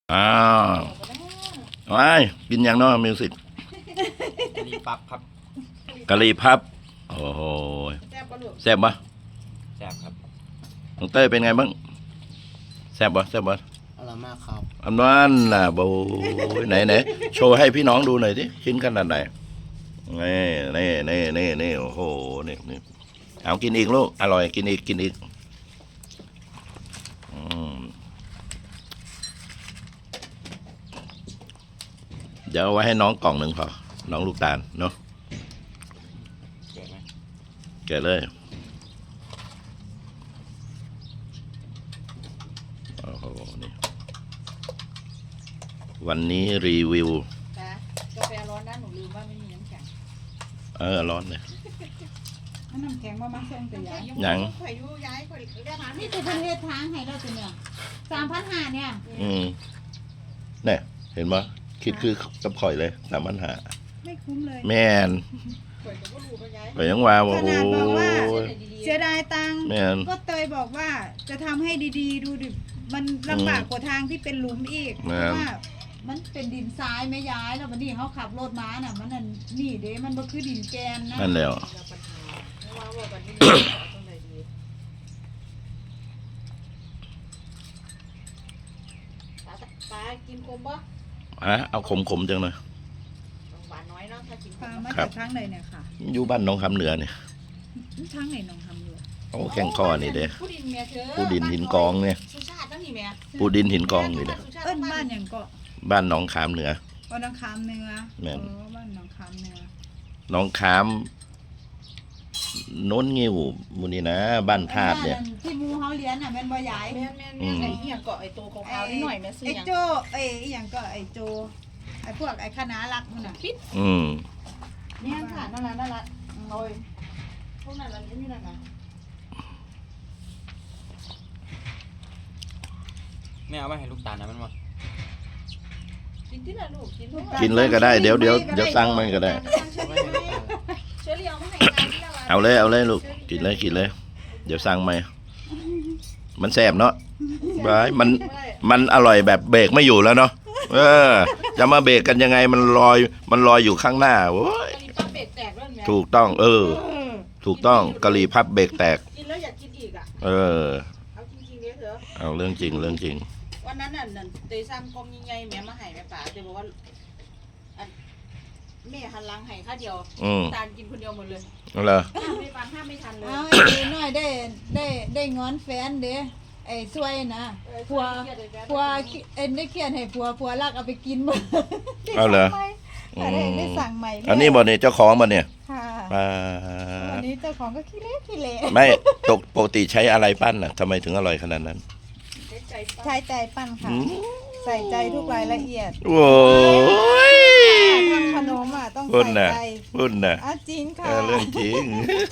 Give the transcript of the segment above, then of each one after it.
อ้าวไอ้กินอย่างน้อยมิวสิกกะหรี่ปั๊บครับกะหรี่พับโอ้โหแซ่บปะลูกแซ่บปะแซ่บครับน้องเต้ยเป็นไงบ้างแซ่บปะแซ่บปะอร่อยมากครับอันนั้นน่ะโบไหนโชว์ให้พี่น้องดูหน่อยสิชิ้นขนาดไหนนี่โอ้โหนี่เอากินอีกลูกอร่อยกินอีกเดี๋ยวเอาไว้ให้น้องกล่องหนึ่งพอน้องลูกตาลเนาะแก่ไหมแกะเลยโอ้โหนี่วันนี้รีวิวจ้ากาแฟร้อนนะหนูลืมว่าไม่มีน้ำแข็งร้อนเลยน้ำแข็งมามาส่งแต่ยายหยังข่อยอยู่ย้ายข่อยได้ทานนี่คือประเทศทางให้เราตัวเนี่ย3,500เนี่ยเนี่ยเห็นปะคิดคือกับข่อยเลย3,500 ไม่คุ้มเลยแม่นข่อยก็บ่รู้ว่าย้ายข่อยยังว่าโอ้ขโหนาดบอกว่าเส้นไหนดีเสียดายตังค์แม่นก็เตยบอกว่าจะทำให้ดีๆ ดูดิมันลำบากกว่าทางที่เป็นหลุมอีกเพแม่ราะนว่ามันเป็นดินทรายไม่ย้ายแล้ววันนี้เขาขับรถมาน่ะมันนั่นนี่เด้มันก็คือดินแกนนะนั่นแล้วๆเราปัญหาเพราะว่าวันนี้เอาตรงไหนดีปลากินคมปะเอาขมจังเลยหวานน้อยเนาะถ้ากินคปลาม มาครัจาบกทางไหนเนี่ยค่ะอยู่บ้านหน้องคำเหนือเนี่ยทางไหนน้องทำอยู่โอ้แข่งข้อนี่เด้ผู้ดินเมียเธอผู้ดินหินกองเนี่ยสุชาตินั่นนี่แม่ปูดินหินกองนี่เด้เอิ้นบ้านอย่างเกาะบ้านหน้องขามเหนือบ้านหนองคามเนื้อแม่นบ้านหนองคามเนื้อหน้องขามโน้นงิ้วมูนี่นะ บ้านธาตุเนี่ยที่หมูเฮาเลี้ยงน่ะแม่นบ่ยายแม่ไอ้เหี้ยเกาะไอ้ตัวขาวๆนิดหน่อยแม่ซื้อไอ้ยังโจไอ้อหย่างก็ไอ้โจไอ้พวกไอ้คณะรักมันน่ะพิษอืมเนี่ยค่ะนั่นละโอ้ยพวกนั้นละนี่นั่นนะไม่เอาไปให้ลูกตาลนะมันวะกินที่ละลูกกินทุกกินเลยก็ได้เดี๋ยวสั่งมันก็ได้เอาไปให้ลูกตาลเชื้อเรียวไม่ให้ทานที่ละเอาเลยลูกกินเลย เดี๋ยวสั่งไหมมันแซ่บเนาะบายมันอร่อยแบบเบรกไม่อยู่แล้วเนาะจะมาเบรกกันยังไงมันลอยอยู่ข้างหน้าโว้ยกะหรี่ปั๊บเบรกแตกด้วยไหมถูกต้องถูกต้องกะหรี่พับเบรกแตกกินแล้วอยากกินอีกอ่ะ เอาจริงๆเนี่ยเถอะเอาเรื่องจริงวันนั้นน่ะเตยซ้ำกองยังไงแม่มาให้แม่ป๋าเตยบอกว่าแม่หันหลังให้ข้าเดียวตาลกินคนเดียวหมดเลยเอาเหรอไม่ฟังห้ามไม่ทันเลยเอาไอ้น้อยได้งอนแฟนเด้ไอ้ซวยนะผัวได้เขียนให้ผัวรักเอาไปกินหมดเอาเหรอได้สั่งใหม่อันนี้บ่เนี่ยเจ้าของบ่เนี่ยค่ะอ่าวันนี้เจ้าของก็ขี้เละไม่ปกติใช้อะไรปั้นน่ะทำไมถึงอร่อยขนาดนั้นใจป้าใช้ใจปั้นค่ะ ใส่ใจทุกรายละเอียดโอ้ยทำขนมอ่ะต้องพุ่นใส่น่ะใจพุ่นน่ะจริงค่ะเรื่องจริง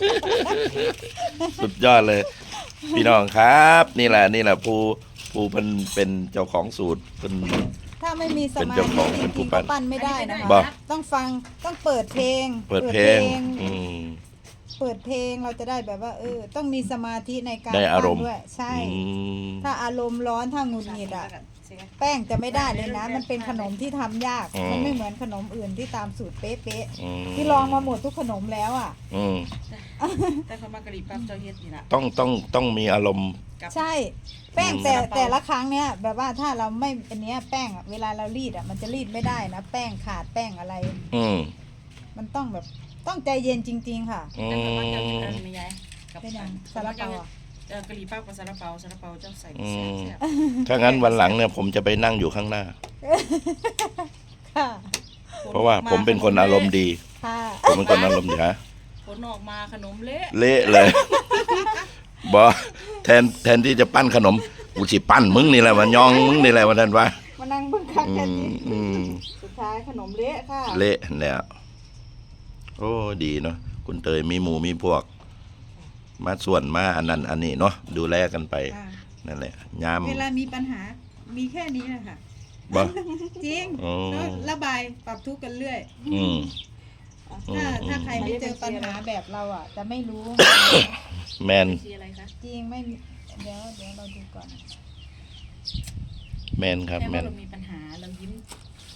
สุดยอดเลย พี่น้องครับ นี่แหละผู้เป็นเจ้าของสูตรเป็นถ้าไม่มีสเป็นมาเจ้าธิของจเป็นผู้ริงๆปั้ก็นปั้นไม่ได้นะบ่คะต้องฟังต้องเปิดเพลงเปิดเพลงเปิดเพลงเราจะได้แบบว่าต้องมีสมาธิในการได้อารมณ์ปั้นด้วยใช่อืมถ้าอารมณ์ร้อนถ้าหงุดหงิดอ่ะแป้งจะไม่ได้เลยนะ มันเป็นขนมที่ทำยาก มันไม่เหมือนขนมอื่นที่ตามสูตรเป๊ะๆที่ลองมาหมดทุกขนมแล้วอ่ะแต่เขามากะหรี่ปั๊บเจ้าเฮ็ดนี่นะต้องมีอารมณ์ใช่ แป้งแต่ละครั้งเนี้ยแบบว่าถ้าเราไม่อันเนี้ยแป้งอะเวลาเรารีดอ่ะมันจะรีดไม่ได้นะแป้งขาดแป้งอะไร มันต้องแบบต้องใจเย็นจริง ๆ ค่ะแต่เขามากะหรี่ปั๊บไม่ย้ายเป็นอย่างซาลาเปาอะกะหรี่ปั๊บกับซาลาเปาเจ้าใส่แซ่บถ้างั้นวันหลังเนี่ยผมจะไปนั่งอยู่ข้างหน้าค่ะเพราะว่าผมเป็นคนอารมณ์ดีค่ะผมเป็นคนอารมณ์ดีฮะผลออกมาขนมเละเละเลย บอแทนที่จะปั้นขนมกูสิปั้นมึงนี่แหละมันยองมึงนี่แหละวันนั้นวะมานั่งเบิ่งคักอืกันมดิอืมสุดท้ายขนมเละค่ะเละแล้วโอ้ดีเนาะคุณเตยมีหมู่มีพวก มาส่วนมาอันนั้นอันนี้เนาะดูแลกันไปค่ะนั่นแหละยามเวลามีปัญหามีแค่นี้แหละค่ะบ่จริงอ๋อแล้วระบายปรับทุกข์กันเรื่อยอืมถ้าใครไม่เจอปัญหาแบบเราอ่ะ จะไม่รู้แมนสีอะไรคะจริงไม่มีเดี๋ยวเราดูก่อนแมนครับแม่แมว่าน เรามีปัญหา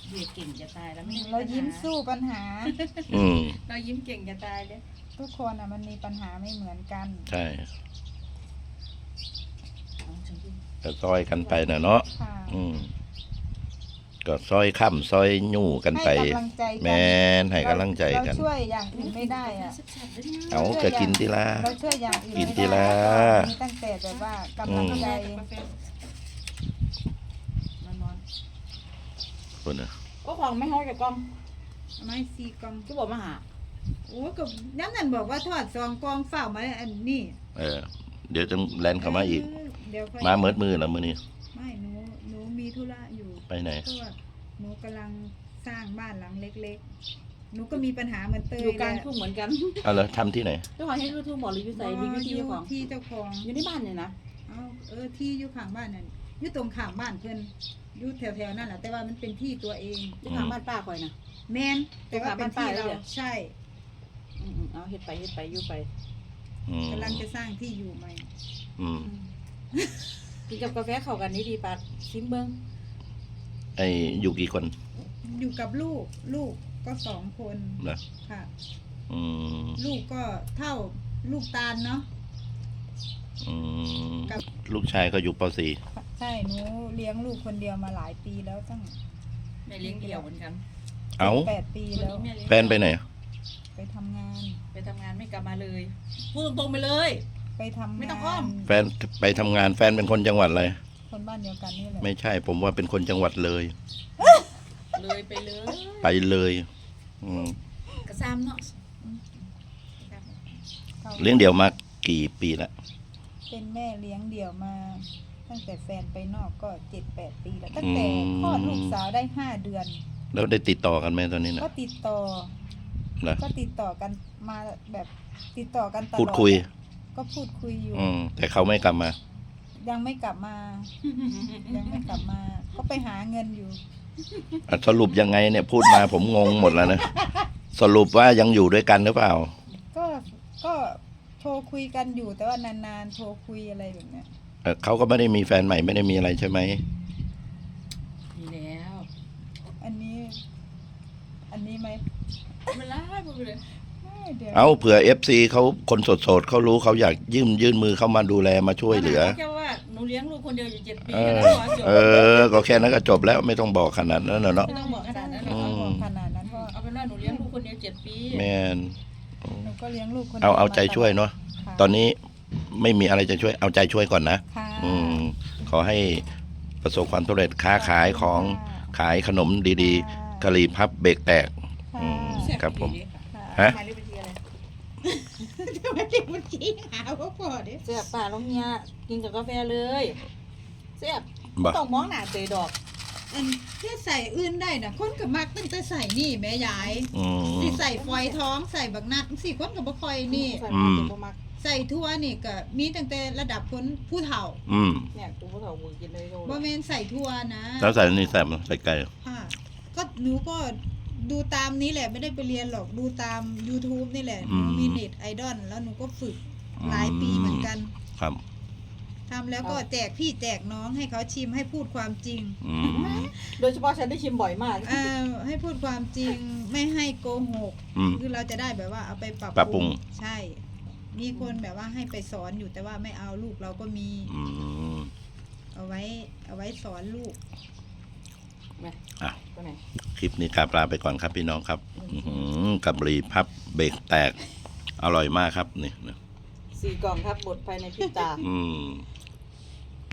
เบียเก่งจะตายแล้วไม่ได้เรายิ้มสู้ปัญหาอืมเรายิ้มเก่งจะตายเลยทุกคนอ่ะมันมีปัญหาไม่เหมือนกันใช่เอาฉันกินก็ซอยกันไปนะเนาะค่ะอืมก็ซอยค่ำซอยยู่กันไปให้กำลังใจกันแม่นให้กำลังใจกันเราช่วยอย่างอื่นไม่ได้อ่ะแซ่บๆด้วยนะเอาก็กินทีละเราช่วยอย่างอื่นกินไม่ทีได้ละมีตั้งแต่แบบว่ากำลังใจกาแฟนอนคนน่ะๆก็ของไม่ห้อยกับกล้องไม้ซีกองก็บอกมาหาโอ้ก็น้ำนั่นบอกว่าทอดซองกองเฝ้ามาอันนี้เดี๋ยวจะแลนเข้ามาอีกเดี๋ยวค่อยมาเมิดมือแล้วมื้อนี้ไม่หนูมีธุระอยู่ไปไหนเพราะว่าหนูกำลังสร้างบ้านหลังเล็กๆ หนูก็มีปัญหาเหมือนเตยอยู่กลางแหละทุ่งเหมือนกันเอาแล้วทำที่ไหนเจ้าของให้รู้ทุ่งบอกหรืออยู่ใส่รีวิวที่อยู่เจ้าของที่เจ้าของอยู่ในบ้านเนี่ยนะที่อยู่ข้างบ้านนั่นอยู่ตรงข้ามบ้านเพิ่นอยู่แถวๆนั่นแหละแต่ว่ามันเป็นที่ตัวเองเจ้าของบ้านป้าคอยนะแมนแต่ว่าเป็นที่เราตรงข้ามบ้านป้าเลยเหรอใช่เอาเฮ็ดไปอยู่ไปอืมกำลังจะสร้างที่อยู่ใหม่อืมกินกับกาแฟเข้ากันนี่ดีปัดซิมเบิ้งไอ้อยู่กี่คนอยู่กับลูกก็2 คนนะค่ะอืมลูกก็เท่าลูกตาลเนาะอืมกับลูกชายก็อยู่ป .4 ใช่หนูเลี้ยงลูกคนเดียวมาหลายปีแล้วตั้งแม่เลี้ยงเดี่ยวเหมือนกันเอ้า 8 ปีแล้วแฟนไปไหนไปทำงานไปทำงานไม่กลับมาเลยพูดตรงๆไปเลยไปทำไม่ต้องงาอ้อน มแฟนไปทำงานแฟนเป็นคนจังหวัดอะไรคนบ้านเดียวกันนี่แหละไม่ใช่ ผมว่าเป็นคนจังหวัดเลยเลยไปเลยไปเลย อืมกระซามเนาะเลี้ยงเดี่ยวมากี่ปีละเป็นแม่เลี้ยงเดี่ยวมา ตั้งแต่แฟนไปนอกก็7-8 ปีแล้ว ตั้งแต่คลอดลูกสาวได้5 เดือนแล้วได้ติดต่อกันไหมตอนนี้นะก็ติดต่อนะก็ติดต่อกันมาแบบติดต่อกันตลอดพูดคุยก็พูดคุยอยู่แต่เขาไม่กลับมายังไม่กลับมา ยังไม่กลับมา ก็ไปหาเงินอยู่สรุปยังไงเนี่ยพูดมาผมงงหมดแล้วนะ สรุปว่ายังอยู่ด้วยกันหรือเปล่าก็โทรคุยกันอยู่แต่ว่านานๆโทรคุยอะไรแบบเนี้ยเขาก็ไม่ได้มีแฟนใหม่ไม่ได้มีอะไรใช่ไหมมีแล้วอันนี้ไหมไม่ไล่พูดไปเลยไม่เดี๋ยวเอาเผื่อ FC เขาคนโสดๆเขารู้เขาอยากยื่นมือเข้ามาดูแลมาช่วยเหลือแค่ว่าหนูเลี้ยงลูกคนเดียวอยู่7 ปีเอแล้วอขอจบก็แค่นั้นก็จบแล้วไม่ต้องบอกขนาดนั้นน่ะเนาะไม่ต้องบอกขนาดนั้นหรไม่อกต้องบอกขนาดนั้นเพราะเอาเป็นว่าหนูเลี้ยงลูกคนเดียว7 ปีแมนหนูก็เลี้ยงลูกคนดีเอายวเอาใจมตลดช่วยเนาะค่ะตอนนี้ไม่มีอะไรจะช่วยเอาใจช่วยก่อนนะค่ะขอให้ประสบความสำเร็จค้าขายของขายขนมดีๆกะหรี่พับเบรกแตกค่ะอืม ครับผมค่ะฮะหมายเลขบัญชีอะไรทำไมเด็กมันขี้หาว่าพอดิเสียบป่าลงเนี่ยกินกับกาแฟเลยเสียบบ่ต้องมองหน้าเตยดอกอันที่ใส่อื่นได้นะคนกับมักตั้งแต่ใส่นี่แม่ยายอืมที่ใส่ฟอยท้องใส่บักนัดสี่คนกับบ่คอยนี่ใส่มาเป็นบ่มักใส่ทั่วนี่ก็มีตั้งแต่ระดับคนผู้เฒ่าอืมเนี่ยกูบ่เฒ่ามือกินเลยโดนบ่แม่นใส่ทั่วนะแล้วใส่นี่ใส่ใส่ไก่ค่ะก็หนูก็ดูตามนี้แหละไม่ได้ไปเรียนหรอกดูตาม YouTube นี่แหละหนูมีเน็ตไอดอลแล้วหนูก็ฝึกหลายปีเหมือนกันครับทำแล้วก็แจกพี่แจกน้องให้เขาชิมให้พูดความจริงอืมโดยเฉพาะฉันได้ชิมบ่อยมากให้พูดความจริงไม่ให้โกหกอืมคือเราจะได้แบบว่าเอาไปปรับปรับปรุงใช่ มีคนแบบว่าให้ไปสอนอยู่แต่ว่าไม่เอาลูกเราก็มีอืมเอาไว้สอนลูกแม่อ่ะตัวไหนคลิปนี้กราบลาไปก่อนครับพี่น้องครับกับหรี่พับเบรกแตก อร่อยมากครับนี่ 4 กล่องครับหมดภายในพริบตาอืม